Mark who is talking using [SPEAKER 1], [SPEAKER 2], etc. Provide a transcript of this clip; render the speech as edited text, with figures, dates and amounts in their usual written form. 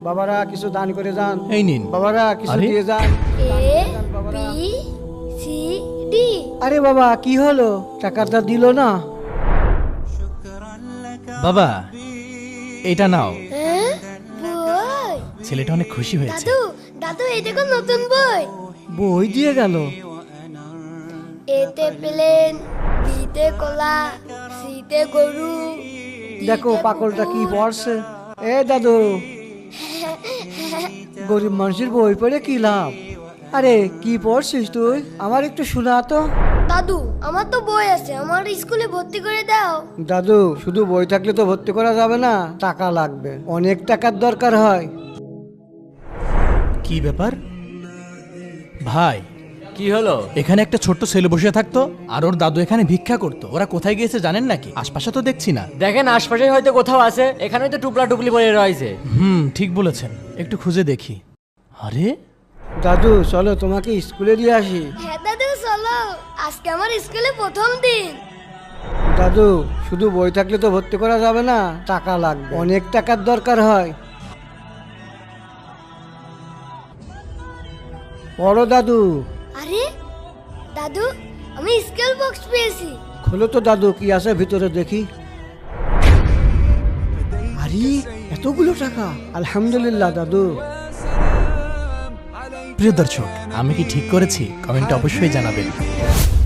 [SPEAKER 1] বাবারা কিছু দান করে যান।
[SPEAKER 2] এই নিন।
[SPEAKER 1] বাবারা কিছু
[SPEAKER 2] আরে?
[SPEAKER 1] দিয়ে যান।
[SPEAKER 3] A B C D.
[SPEAKER 1] আরে বাবা কি হলো, টাকাটা দিল না?
[SPEAKER 2] বাবা এটা নাও।
[SPEAKER 3] হ্যাঁ বই।
[SPEAKER 2] ছেলেটা অনেক খুশি হয়েছে।
[SPEAKER 3] দাদু দাদু এই দেখো নতুন বই।
[SPEAKER 1] বই দিয়ে গেল।
[SPEAKER 3] এতে প্লেন, বিতে কলা, সিতে গরু।
[SPEAKER 1] দেখো পাগলটা কি পড়ছে। এ দাদু, গরিব মানুষের বই পড়ে কি লাভ? আরে কি পড়ছিস তুই, আমার একটু শোনা তো।
[SPEAKER 3] দাদু আমার তো বই আছে, আমার স্কুলে ভর্তি করে দাও।
[SPEAKER 1] দাদু শুধু বই থাকলে তো ভর্তি করা যাবে না, টাকা লাগবে, অনেক টাকার দরকার হয়।
[SPEAKER 2] কি ব্যাপার ভাই?
[SPEAKER 4] কি হলো?
[SPEAKER 2] এখানে একটা ছোট্ট ছেলে বসে থাকতো আর ওর দাদু এখানে ভিক্ষা করতো। ওরা কোথায় গিয়েছে জানেন নাকি? আশপাশে তো দেখছি না।
[SPEAKER 4] দেখেন আশপাশে হয়তো কোথাও আছে, এখানে তো টুপলা টুপলি পড়ে রয়েছে।
[SPEAKER 2] ঠিক বলেছেন, একটু খুঁজে দেখি। আরে
[SPEAKER 1] দাদু চলো তোমাকে স্কুলে দিয়ে আসি।
[SPEAKER 3] হ্যাঁ দাদু চলো, আজকে আমার স্কুলে প্রথম দিন।
[SPEAKER 1] দাদু শুধু বই থাকলে তো ভর্তি করা যাবে না, টাকা লাগবে, অনেক টাকার দরকার হয়। পড়ো দাদু।
[SPEAKER 3] আরে দাদু আমি স্কেল বক্স পেয়েছি।
[SPEAKER 1] খোলো তো দাদু, কি আছে ভিতরে দেখি। আরে এতগুলো টাকা, আলহামদুলিল্লাহ দাদু।
[SPEAKER 2] প্রিয় দর্শক, আমি কি ঠিক করেছি? কমেন্টে অবশ্যই জানাবেন।